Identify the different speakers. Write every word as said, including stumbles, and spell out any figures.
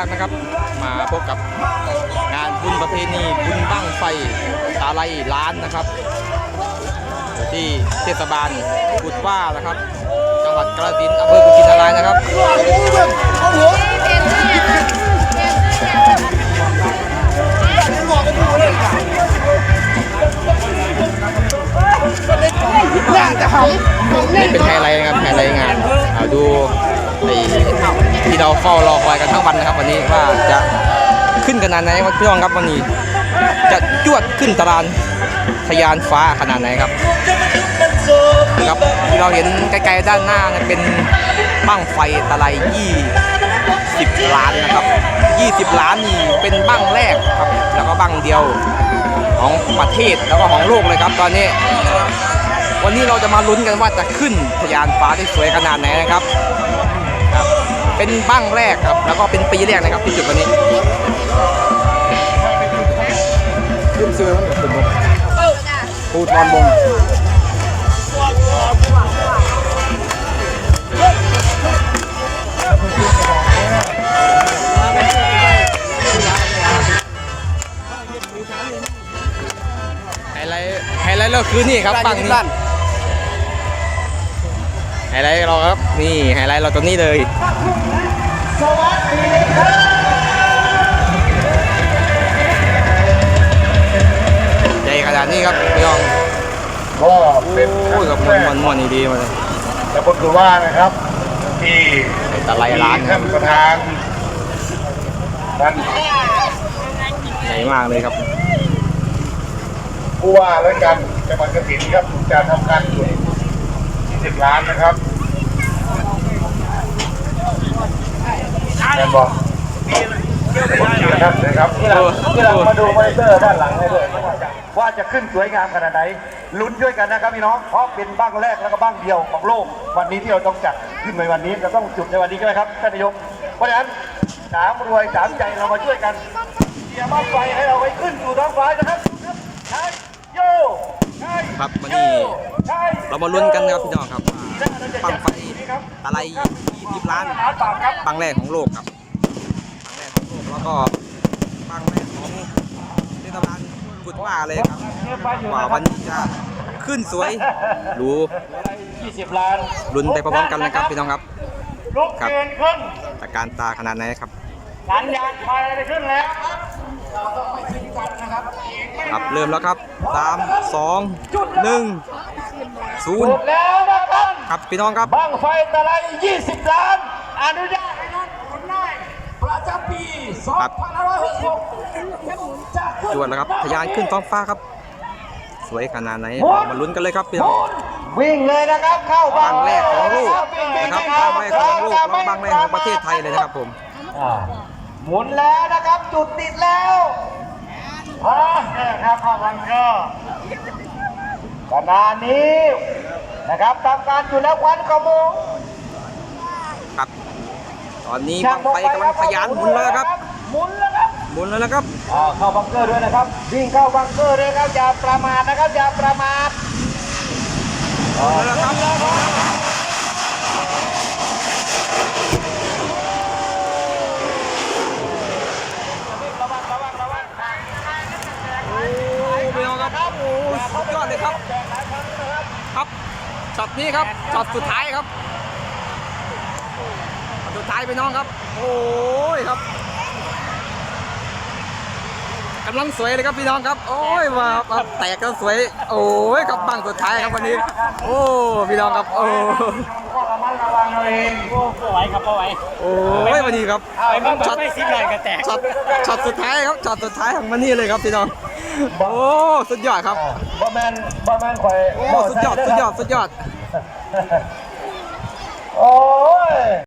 Speaker 1: รักนะครับ มาพบกับงานบุญประเพณีบุญบั้งไฟตาไลล้านนะครับที่เทศบาลกุดว่านะครับจังหวัดกาฬสินธุ์อำเภอกุชินารายนะครับนี่เป็นไฮไลท์นะครับไฮไลท์งานเอาดูที่เราเฝ้ารอคอยกันทั้งวันนะครับวันนี้ว่าจะขึ้นขนาดไหนครับพี่น้องครับวันนี้จะจวดขึ้นตารางทะยานฟ้าขนาดไหนครับครับที่เราเห็นไกลๆด้านหน้าเป็นบั้งไฟตะไลยี่สิบล้านนะครับยี่สิบล้านนี่เป็นบั้งแรกครับแล้วก็บั้งเดียวของประเทศแล้วก็ของโลกเลยครับตอนนี้วันนี้เราจะมาลุ้นกันว่าจะขึ้นทะยานฟ้าได้สวยขนาดไหนนะครับครับเป็นบั้งแรกครับแล้วก็เป็นปีแรกนะครับที่จุดวันนี้ขึ้นเสือมันเป็นปูทอนวงไฮไลท์ไฮไลท์เราคือนี่ครับบั้งนี้ไฮไลท์เราครับนี่ไฮไลท์เราตัวนี้เลยใหญ่ขนาดนี้ครับพี่น้อง
Speaker 2: ก็เป็น
Speaker 1: โอ้ยกับมันมันนี่ดีมาเลย
Speaker 2: แล้วก็คือว่านะครับที่
Speaker 1: ตะไลล้านครับ
Speaker 2: ประธานท่าน
Speaker 1: ใหญ่มากเลยครับ
Speaker 2: ผู้ว่าและกันจังหวัดกาฬสินธุ์ครับจะทำการจุดยี่สิบล้านนะครับแม่บอกนะครับนะครับที่เราที่เรามาดูมอนิเตอร์ด้านหลังให้ด้วยว่าจะขึ้นสวยงามขนาดไหนลุ้นด้วยกันนะครับพี่น้องเพราะเป็นบ้างแรกแล้วก็บ้างเดียวของโลกวันนี้ที่เราต้องจัดขึ้นในวันนี้เราต้องจุดในวันนี้ใช่ไหมครับท่านนายกเพราะฉะนั้นสามรวยสามใจเรามาช่วยกันเกี่ยวบ้างไฟให้เราไปขึ้นสู่ท้องฟ้านะครับใช่โย่
Speaker 1: ครับวันนี้เรามาลุ้นกันนะครับพี่น้องครับบั้งไฟตะไลยี่สิบล้านบั้งแรกของโลกครับบั้งแรกของโลกแล้วก็บั้งแรกของเทศบาลกุดว่าเลยครับว่าวันนี้จะขึ้นสวยหรู
Speaker 2: ยี่สิบล้าน
Speaker 1: ลุ้นไปพร้อมๆกันนะครับพี่น้องครับ
Speaker 2: ลุกเกินขึ้น
Speaker 1: ตะการตาขนาดไหนครับ
Speaker 2: สัญญาณไฟได้ขึ้นแล้ว
Speaker 1: ครับเริ่มแล้วครับสามสองหนึ่งศูนย์
Speaker 2: แล้วนะครับ
Speaker 1: ครับพี่น้องครับ
Speaker 2: บั้งไฟตะไลยี่สิบล้านอนุญาตให้รถขนได้ประจำปีสองพันห้าร้อยหกสิบหก
Speaker 1: จวดแล้วครับทะยานขึ้นท้องฟ้าครับสวยขนาดไหนมาลุ้นกันเลยครับพี่น้อง
Speaker 2: วิ่งเลยนะครับเข้า
Speaker 1: บั้งแรกของโลกนะครับบั้งแรกของโลกแล้วบั้งแรกของประเทศไทยเลยนะครับผม
Speaker 2: หมุนแล้วนะครับจุดติดแล้วอ่าเนี่ยครับเข้าบังเกอร์ขณะนี้นะครับทำการจุดแล้วควันขโมง
Speaker 1: ครับตอนนี้บั้งไฟกำลังทะยานหมุนแล้วครับ
Speaker 2: หมุนแล้วครับ
Speaker 1: หมุนแล้วนะครับ
Speaker 2: เข้าบังเกอร์ด้วยนะครับวิ่งเข้าบังเกอร์ด้วยครับอย่าประมาทนะครับอย่าประมาท
Speaker 1: หมุนแล้วครับสุดยอดเลยครับครับช็อตนี้ครับช็อตสุดท้ายครับสุดท้ายไปน้องครับโอ้ยครับกำลังสวยเลยครับพี่น้องครับโอ้ยว่าแตกก็สวยโอ้ยครับบั้งสุดท้ายครับวันนี้โอ้พี่น้องครับโอ้
Speaker 2: ระมัดระวังเราเองโอ้ไหวครับไหว
Speaker 1: โอ้ยวันนี้ครับช็อตไม่ซิบเลยก็แตกช็อตช็อตสุดท้ายครับช็อตสุดท้ายของวันนี้เลยครับพี่น้องโอ้สุดยอดครับ
Speaker 2: บอแมนบอแมนข่อย
Speaker 1: โอ้สุดยอดสุดยอดสุดยอด
Speaker 2: โอ้ย